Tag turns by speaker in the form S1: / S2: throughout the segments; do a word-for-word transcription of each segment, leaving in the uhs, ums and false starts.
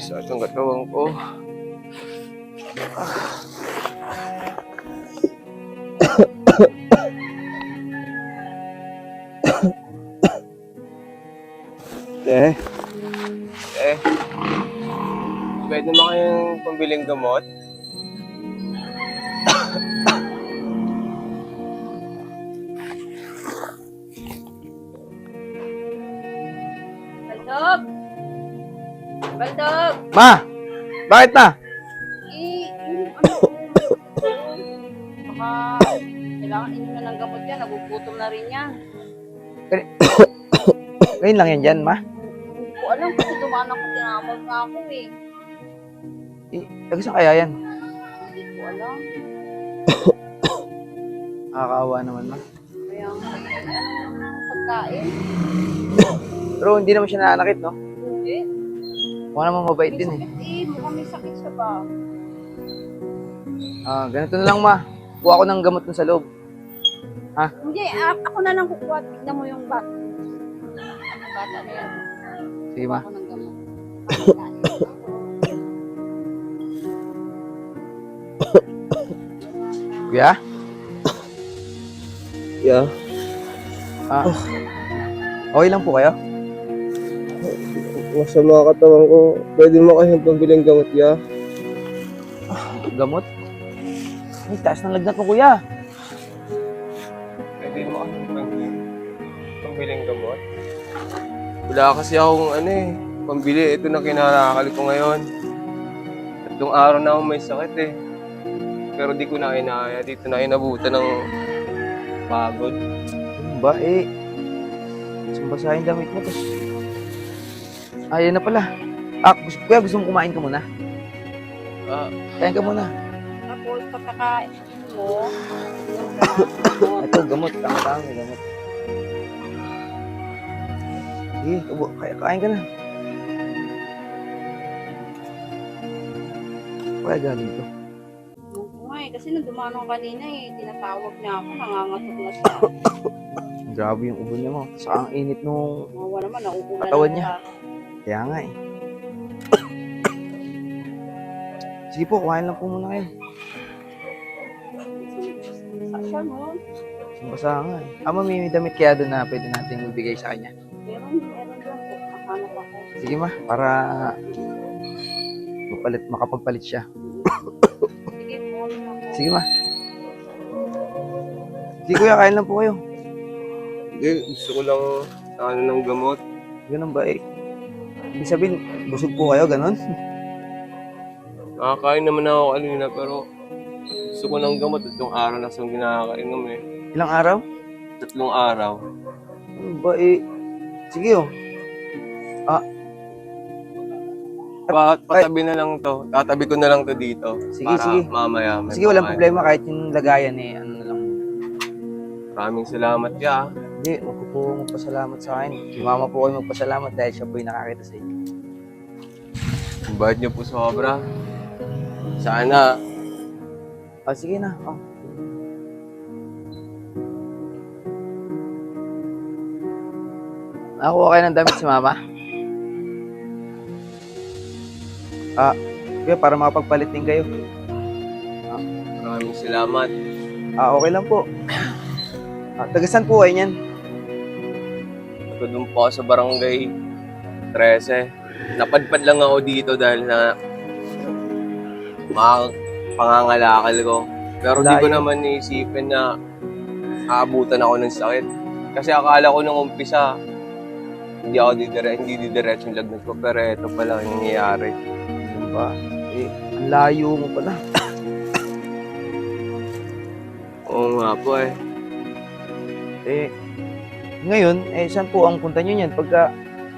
S1: Sakit ang katawan ko. Eh, eh, pwede naman kayong pambiling gamot?
S2: Baldog! Baldog!
S3: Ma! Bakit na?
S2: Eh, yung ano ko, baka kailangan inyo na ng gamot yan. Nagugutom na rin yan.
S3: Ngayon lang yan dyan, ma.
S2: Hindi ko alam kasi dumaan ako, tinamag na ako eh.
S3: Eh, taga saan kaya yan?
S2: Hindi ko alam.
S3: Nakakaawa naman, ma.
S2: Kaya nga, eh, ano yung pagkain?
S3: Pero hindi naman siya nananakit, no?
S2: Hindi.
S3: Mukha naman mabait
S2: May
S3: din eh.
S2: sakit eh. Mukhang may sakit siya ba?
S3: Ah, ganito na lang, ma. Kuha ko ng gamot dun sa loob.
S2: Hindi, a- ako na lang kukuha. Tignan mo yung bata. Ang bata na yan.
S3: Sige, ma.
S2: Ako ng gamot.
S3: Kuya?
S1: Yeah.
S3: Ah. Okay lang po kayo?
S1: Masama katawan ko. Pwede mo kayong pambiling gamot, ya?
S3: Gamot? Ay, taas ng lagnat mo, kuya.
S1: Pwede mo kayong pambiling, pambiling gamot? Wala kasi akong ano eh, pambili. Ito na kinarakal ko ngayon. Tatlong araw na akong may sakit eh. Pero di ko na kinaya. Dito na inabutan ng pagod.
S3: Ano ba, eh? Sumbasahin damit mo, tapos... Ayun na pala. Ah, gusto, kuya, gusto mo kumain ka muna?
S1: Ah,
S3: Kain ka muna.
S2: Tapos pagkakain mo, yung gamot.
S3: Ito, gamot. Tama-tama, may gamot. Sige, ubo, kaya, kain ka na. Kaya galing to.
S2: Oo nga eh, kasi nung dumaan ako kanina eh, tinatawag niya ako, nangangatok na siya.
S3: Grabe yung ubo niya mo. Saka ang init nung...
S2: Mawa naman, nauulan
S3: Katawan
S2: na
S3: niya.
S2: ako.
S3: Kaya nga eh. Sige po, kuhain lang po muna kayo.
S2: Sa siya, no?
S3: Basa nga eh. Ama, may damit kaya doon na pwede natin ibigay sa kanya.
S2: Meron, meron doon po. Nakahanap ako.
S3: Sige ma, para mapalit, makapagpalit siya.
S2: Sige po, ano ako.
S3: Sige ma. Sige kuya, kain lang po kayo.
S1: hindi. Gusto ko lang sa ano ng gamot.
S3: Ganun ba eh? Ibig sabihin, busog po kayo, ganun?
S1: Nakakain naman ako kanina pero gusto ko ng gamot. Tatlong araw na siyang ginakainom eh.
S3: Ilang araw?
S1: Tatlong araw.
S3: Ano ba eh? Sige oh.
S1: Pa patabi na lang to. Tatabi ko na lang to dito.
S3: Sige,
S1: para
S3: sige.
S1: mamaya. may
S3: Sige, walang
S1: pakain.
S3: problema kahit yung lagayan eh. Ano na lang.
S1: Maraming salamat ya.
S3: Hindi, huwag ko po magpasalamat sa akin. Si mama po kayo magpasalamat dahil siya po yung nakakita sa inyo.
S1: Ang bayad niyo po sobra. Sana.
S3: Ah, sige na. Oh. Nakuha kayo ng damit si mama? Ah, kaya para makapagpalit din kayo.
S1: Maraming salamat.
S3: Ah, okay lang po. Ah, tagasan po kayo niyan?
S1: Ito doon po ako sa barangay thirteen. Napadpad lang ako dito dahil na mga pangangalakal ko. Pero di ko
S3: Layo.
S1: naman naisipin na aabutan ako ng sakit. Kasi akala ko nung umpisa, hindi ako didire, hindi didiretso yung lagnat ko. Pero ito pala yung nangyayari.
S3: Ano ba? Eh, ang layo mo pala.
S1: Oo nga po eh.
S3: Eh, ngayon, eh, saan po ang punta nyo niyan? Pagka,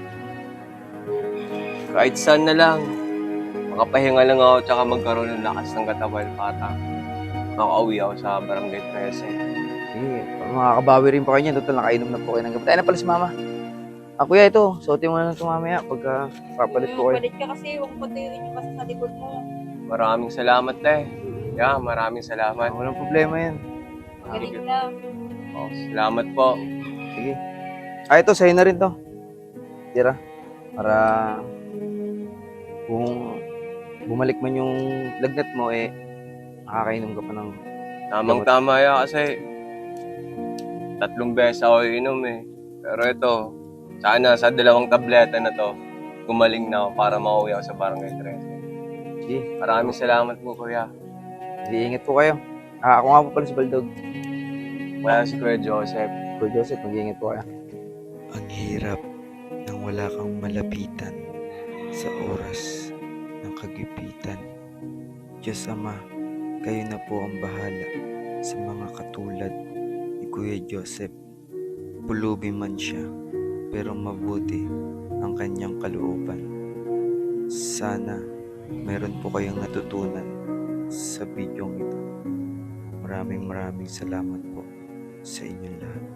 S1: Kahit saan na lang. Makapahinga lang ako tsaka magkaroon ng lakas ng katawan para makauwi ako sa barangay thirteen.
S3: eh, makakabawi rin po kayo niyan. Total, nakainom na po kayo ng gamot. Ay, na pala si mama. Ah, kuya, ito. Suotin mo na lang ito mamaya pagka papalit po kayo.
S2: Palit ka kasi, huwag patuyuin yung kasi sa likod mo.
S1: Maraming salamat eh. Yeah, maraming
S3: Ah,
S1: salamat.
S3: walang problema yan.
S2: Galing ka.
S1: Oh, salamat po.
S3: Sige. Ah, ito, sa'yo na rin to. Tira. Para Kung bumalik man yung lagnat mo, eh, nakakainom ka pa ng
S1: Tamang-tama yan kasi tatlong beses ako inom eh. Pero ito, sana sa dalawang tableta na to, gumaling na ako para makauwi ako sa barangay thirteen.
S3: Sige,
S1: Maraming salamat po, kuya.
S3: mag-iingat po kayo. Ah, ako nga po pala si Baldog.
S1: Wala si Kuya Joseph.
S3: Kuya Joseph, mag-iingat po kayo.
S4: Ang hirap nang wala kang malapitan sa oras ng kagipitan. Diyos Ama, kayo na po ang bahala sa mga katulad ni Kuya Joseph. Pulubi man siya, pero mabuti ang kanyang kalooban. Sana meron po kayong natutunan sa bidyong ito. Maraming maraming salamat po sa inyong lahat.